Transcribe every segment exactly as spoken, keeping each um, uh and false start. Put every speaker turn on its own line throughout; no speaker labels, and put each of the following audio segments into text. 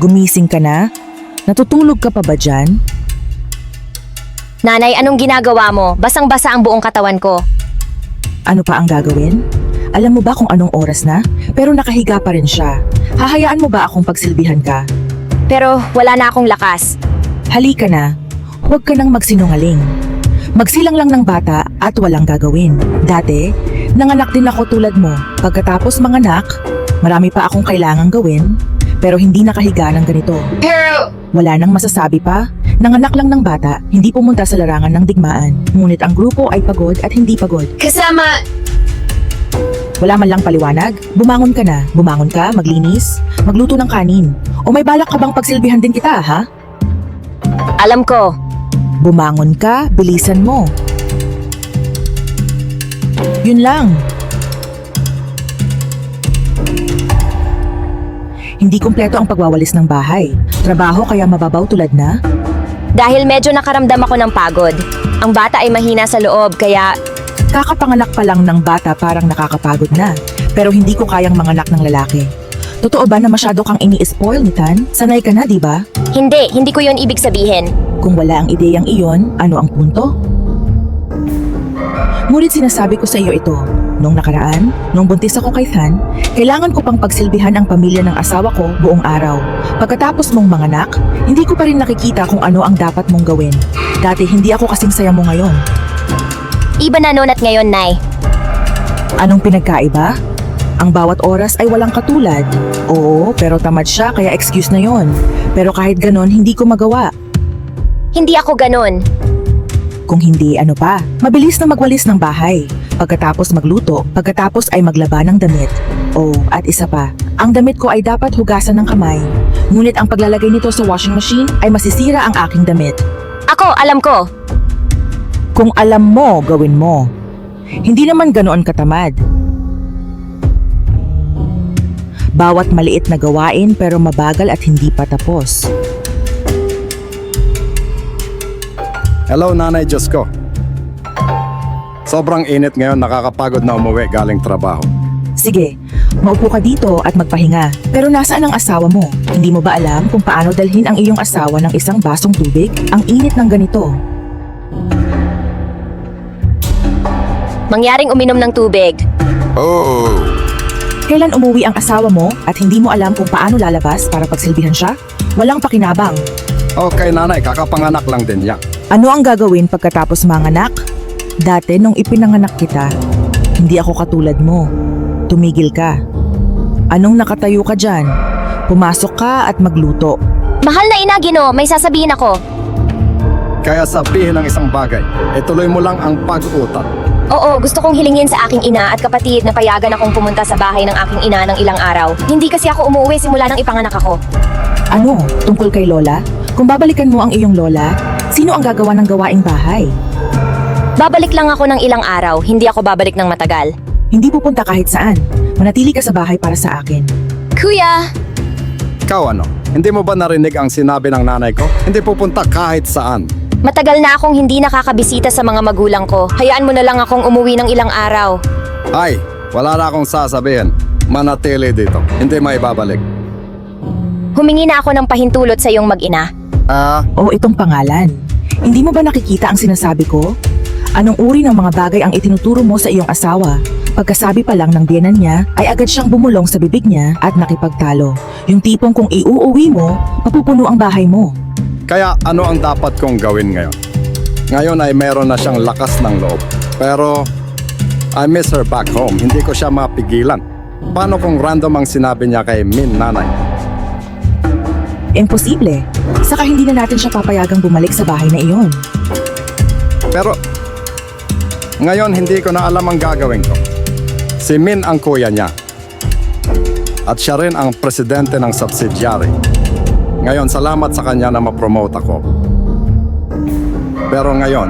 Gumising ka na? Natutulog ka pa ba dyan?
Nanay, anong ginagawa mo? Basang-basa ang buong katawan ko.
Ano pa ang gagawin? Alam mo ba kung anong oras na? Pero nakahiga pa rin siya. Hahayaan mo ba akong pagsilbihan ka?
Pero wala na akong lakas.
Halika na. Huwag ka nang magsinungaling. Magsilang lang ng bata at walang gagawin. Dati, nanganak din ako tulad mo. Pagkatapos manganak, marami pa akong kailangang gawin, pero hindi nakahiga ng ganito.
Pero...
Wala nang masasabi pa. Nanganak lang ng bata, hindi pumunta sa larangan ng digmaan. Ngunit ang grupo ay pagod at hindi pagod.
Kasama...
Wala man lang paliwanag. Bumangon ka na. Bumangon ka, maglinis, magluto ng kanin. O may balak ka bang pagsilbihan din kita, ha?
Alam ko.
Bumangon ka, bilisan mo. Yun lang. Hindi kumpleto ang pagwawalis ng bahay. Trabaho kaya mababaw tulad na?
Dahil medyo nakaramdam ako ng pagod. Ang bata ay mahina sa loob, kaya...
Kakapanganak pa lang ng bata parang nakakapagod na. Pero hindi ko kayang manganak ng lalaki. Totoo ba na masyado kang ini-spoil ni Tan? Sanay ka na, di ba?
Hindi, hindi ko yun ibig sabihin.
Kung wala ang ideyang iyon, ano ang punto? Ngunit sinasabi ko sa iyo ito, nung nakaraan, nung buntis ako kay Tan, kailangan ko pang pagsilbihan ang pamilya ng asawa ko buong araw. Pagkatapos mong manganak, hindi ko pa rin nakikita kung ano ang dapat mong gawin. Dati hindi ako kasing saya mo ngayon.
Iba na noon at ngayon, Nay.
Anong pinagkaiba? Ang bawat oras ay walang katulad. Oo, pero tamad siya kaya excuse na yon. Pero kahit ganon, hindi ko magawa.
Hindi ako ganon.
Kung hindi, ano pa? Mabilis na magwalis ng bahay. Pagkatapos magluto, pagkatapos ay maglaba ng damit. Oh, at isa pa, ang damit ko ay dapat hugasan ng kamay. Ngunit ang paglalagay nito sa washing machine ay masisira ang aking damit.
Ako, alam ko.
Kung alam mo, gawin mo. Hindi naman ganoon katamad. Bawat maliit na gawain pero mabagal at hindi pa tapos.
Hello, Nanay Diyos ko. Sobrang init ngayon, nakakapagod na umuwi galing trabaho.
Sige, maupo ka dito at magpahinga. Pero nasaan ang asawa mo? Hindi mo ba alam kung paano dalhin ang iyong asawa ng isang basong tubig? Ang init ng ganito.
Mangyaring uminom ng tubig.
Oh!
Kailan umuwi ang asawa mo at hindi mo alam kung paano lalabas para pagsilbihan siya? Walang pakinabang.
Okay, Nanay, kakapanganak lang din niya.
Ano ang gagawin pagkatapos manganak? Dati nung ipinanganak kita, hindi ako katulad mo. Tumigil ka. Anong nakatayo ka dyan? Pumasok ka at magluto.
Mahal na ina, Gino, may sasabihin ako.
Kaya sabihin ng isang bagay, ituloy mo lang ang pag-utat.
Oo, gusto kong hilingin sa aking ina at kapatid na payagan akong pumunta sa bahay ng aking ina ng ilang araw. Hindi kasi ako umuwi simula nang ipanganak ako.
Ano? Tungkol kay Lola? Kung babalikan mo ang iyong Lola, sino ang gagawa ng gawaing bahay?
Babalik lang ako ng ilang araw, hindi ako babalik ng matagal.
Hindi pupunta kahit saan. Manatili ka sa bahay para sa akin.
Kuya!
Ikaw ano? Hindi mo ba narinig ang sinabi ng nanay ko? Hindi pupunta kahit saan.
Matagal na akong hindi nakakabisita sa mga magulang ko. Hayaan mo na lang akong umuwi ng ilang araw.
Ay, wala na akong sasabihin. Manatili dito. Hindi maibabalik.
Humingi na ako ng pahintulot sa iyong mag-ina.
Ah,
O itong pangalan. Hindi mo ba nakikita ang sinasabi ko? Anong uri ng mga bagay ang itinuturo mo sa iyong asawa? Pagkasabi pa lang ng biyenan niya, ay agad siyang bumulong sa bibig niya at nakipagtalo. Yung tipong kung iuuwi mo, mapupuno ang bahay mo.
kaya ano ang dapat kong gawin ngayon? Ngayon ay meron na siyang lakas ng loob. Pero I miss her back home. Hindi ko siya mapigilan. Paano kung random ang sinabi niya kay Min nanay?
Imposible. Saka hindi na natin siya papayagang bumalik sa bahay na iyon.
Pero ngayon hindi ko na alam ang gagawin ko. Si Min ang kuya niya. At siya rin ang presidente ng subsidiary. Ngayon, salamat sa kanya na ma-promote ako. Pero ngayon,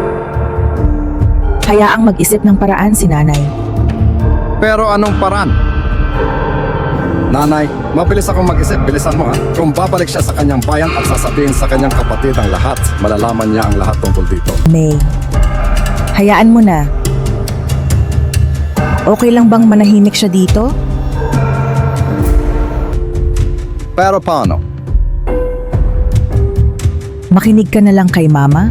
Hayaang mag-isip ng paraan si nanay.
pero anong paraan? Nanay, mabilis akong mag-isip. Bilisan mo ha. Kung babalik siya sa kanyang bayan at sasabihin sa kanyang kapatid ang lahat, malalaman niya ang lahat tungkol dito.
May, hayaan mo na. Okay lang bang manahimik siya dito?
Pero paano?
Makinig ka na lang kay mama.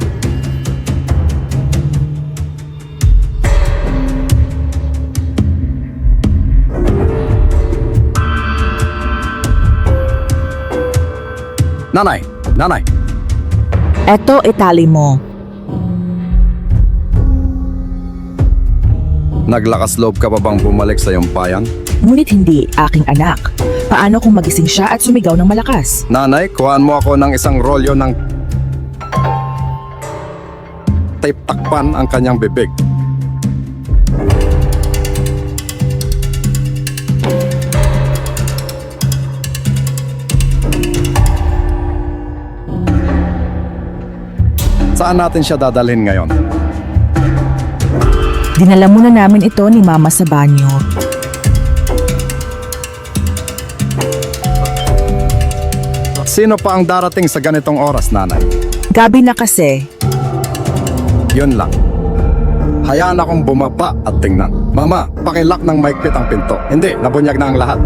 Nanay, nanay,
Eto itali mo.
naglakas loob ka pa bang bumalik sa iyong bayan?
Ngunit hindi, aking anak. Paano kung magising siya at sumigaw ng malakas?
Nanay, kuhaan mo ako ng isang rolyo ng tape, takpan ang kanyang bibig. Saan natin siya dadalhin ngayon?
Dinala muna namin ito ni mama sa banyo.
Sino pa ang darating sa ganitong oras, nanay?
Gabi na kasi.
Yun lang. Hayaan akong bumaba at tingnan. Mama, pakilak ng maigpit ang pinto. Hindi, nabunyag na ang lahat.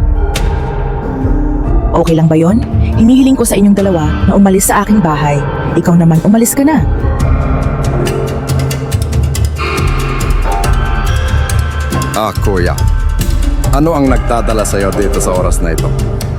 Okay lang ba yon? Hinihiling ko sa inyong dalawa na umalis sa aking bahay. Ikaw naman umalis ka na.
Ah, kuya. Ano ang nagdadala sa'yo dito sa oras na ito?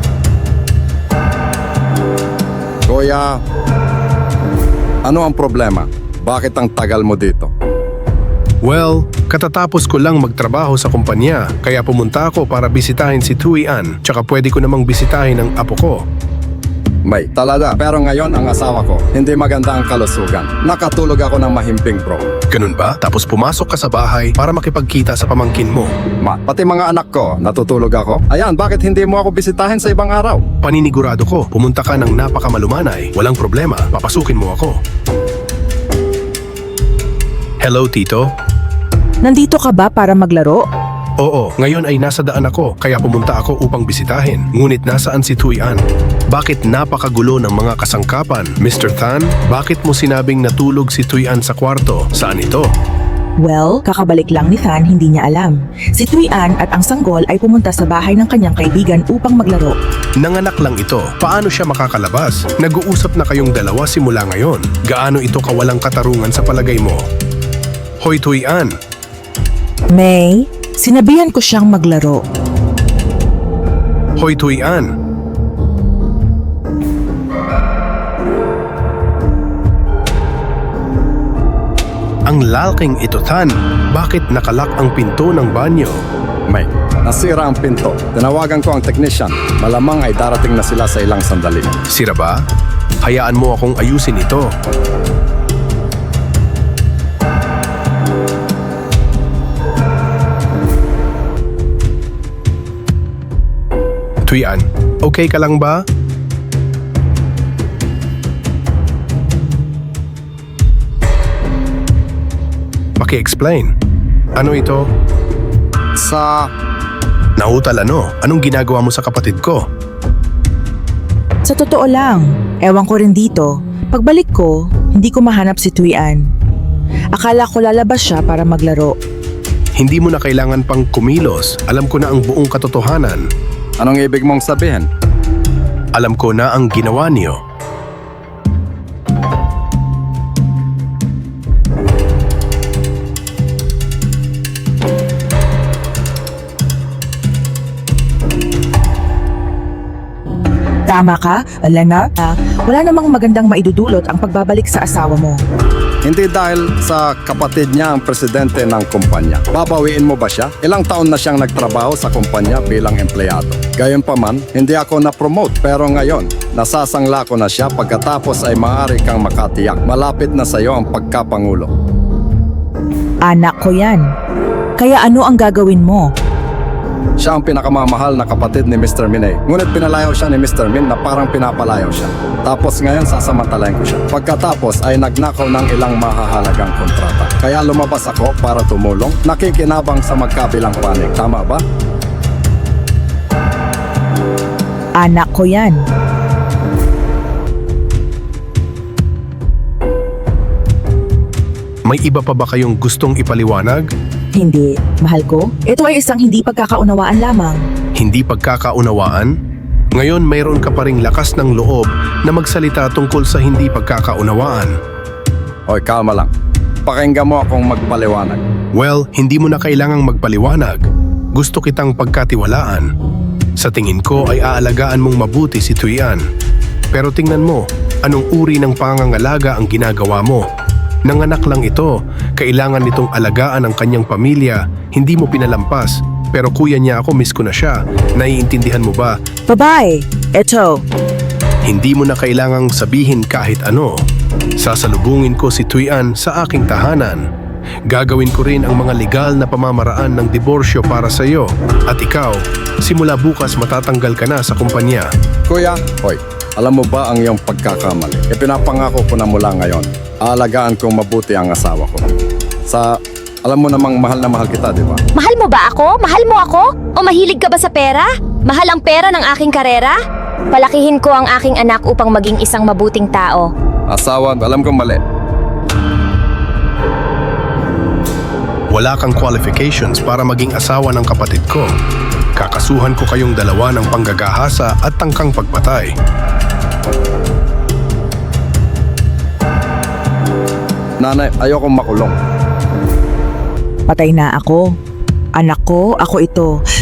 Kuya, ano ang problema? Bakit ang tagal mo dito?
Well, katatapos ko lang magtrabaho sa kumpanya, kaya pumunta ako para bisitahin si Tui An, tsaka pwede ko namang bisitahin ang apo ko.
May, talaga. Pero ngayon ang asawa ko, hindi maganda ang kalusugan. Nakatulog ako ng mahimping, bro.
Ganun ba? Tapos pumasok ka sa bahay para makipagkita sa pamangkin mo.
Ma, pati mga anak ko, natutulog ako. Ayan, bakit hindi mo ako bisitahin sa ibang araw?
Paninigurado ko, pumunta ka ng napakamalumanay. Walang problema, papasukin mo ako. Hello, Tito?
Nandito ka ba para maglaro?
Oo, ngayon ay nasa daan ako, kaya pumunta ako upang bisitahin. Ngunit nasaan si Tui An? Bakit napakagulo ng mga kasangkapan? Mister Tan, bakit mo sinabing natulog si Tui An sa kwarto? Saan ito?
Well, kakabalik lang ni Than, hindi niya alam. Si Tui An at ang sanggol ay pumunta sa bahay ng kanyang kaibigan upang maglaro.
Nanganak lang ito. Paano siya makakalabas? Nag-uusap na kayong dalawa simula ngayon. Gaano ito kawalang katarungan sa palagay mo? Hoy Tui An,
May, sinabihan ko siyang maglaro.
Hoy Tui An. Ang lalking ito, Tan. Bakit nakalak ang pinto ng banyo?
May, nasira ang pinto. Tinawagan ko ang technician. Malamang ay darating na sila sa ilang sandali.
Sira ba? Hayaan mo akong ayusin ito. Tui An, okay ka lang ba? Paki-explain. Ano ito?
Sa...
Nautal ano? Anong ginagawa mo sa kapatid ko?
Sa totoo lang, ewan ko rin dito. Pagbalik ko, hindi ko mahanap si Tui An. Akala ko lalabas siya para maglaro.
Hindi mo na kailangan pang kumilos. Alam ko na ang buong katotohanan.
Anong ibig mong sabihin?
Alam ko na ang ginawa niyo.
Tama ka, Elena. Ah, wala namang magandang maidudulot ang pagbabalik sa asawa mo.
Hindi dahil sa kapatid niya ang presidente ng kumpanya. Babawiin mo ba siya? Ilang taon na siyang nagtrabaho sa kumpanya bilang empleyado. Gayunpaman, hindi ako na-promote pero ngayon, nasasangla ko na siya pagkatapos ay maaari kang makatiyak. Malapit na sa iyo ang pagkapangulo.
Anak ko yan. Kaya ano ang gagawin mo?
Siya ang pinakamamahal na kapatid ni Mister Min eh. Ngunit pinalayaw siya ni Mister Min na parang pinapalayaw siya. Tapos ngayon sasamantalayan ko siya. Pagkatapos ay nagnakaw ng ilang mahahalagang kontrata. Kaya lumabas ako para tumulong. Nakikinabang sa magkabilang panig. Tama ba?
Anak ko yan.
May iba pa ba kayong gustong ipaliwanag?
Hindi, mahal ko. Ito ay isang hindi pagkakaunawaan lamang.
Hindi pagkakaunawaan? Ngayon mayroon ka pa ring lakas ng loob na magsalita tungkol sa hindi pagkakaunawaan.
Hoy, kalma lang. Pakinggan mo akong magpaliwanag.
Well, hindi mo na kailangang magpaliwanag. Gusto kitang pagkatiwalaan. Sa tingin ko ay aalagaan mong mabuti si Tuyan. Pero tingnan mo, anong uri ng pangangalaga ang ginagawa mo? Nanganak lang ito, kailangan nitong alagaan ang kanyang pamilya, hindi mo pinalampas. Pero kuya niya ako, miss ko na siya. Naiintindihan mo ba?
Babae, eto.
Hindi mo na kailangang sabihin kahit ano. Sasalubungin ko si Tuyan sa aking tahanan. Gagawin ko rin ang mga legal na pamamaraan ng diborsyo para sa iyo. At ikaw, simula bukas matatanggal ka na sa kumpanya.
Kuya, hoy, alam mo ba ang iyong pagkakamali? Ipinapangako ko na mula ngayon. Aalagaan kong mabuti ang asawa ko. Sa, alam mo namang mahal na mahal kita, di ba?
Mahal mo ba ako? Mahal mo ako? O mahilig ka ba sa pera? Mahal ang pera ng aking karera? Palakihin ko ang aking anak upang maging isang mabuting tao.
Asawa, alam kong mali.
Wala kang qualifications para maging asawa ng kapatid ko. Kakasuhan ko kayong dalawa ng panggagahasa at tangkang pagpatay.
Nanay, ayokong makulong.
Patay na ako. Anak ko, ako ito.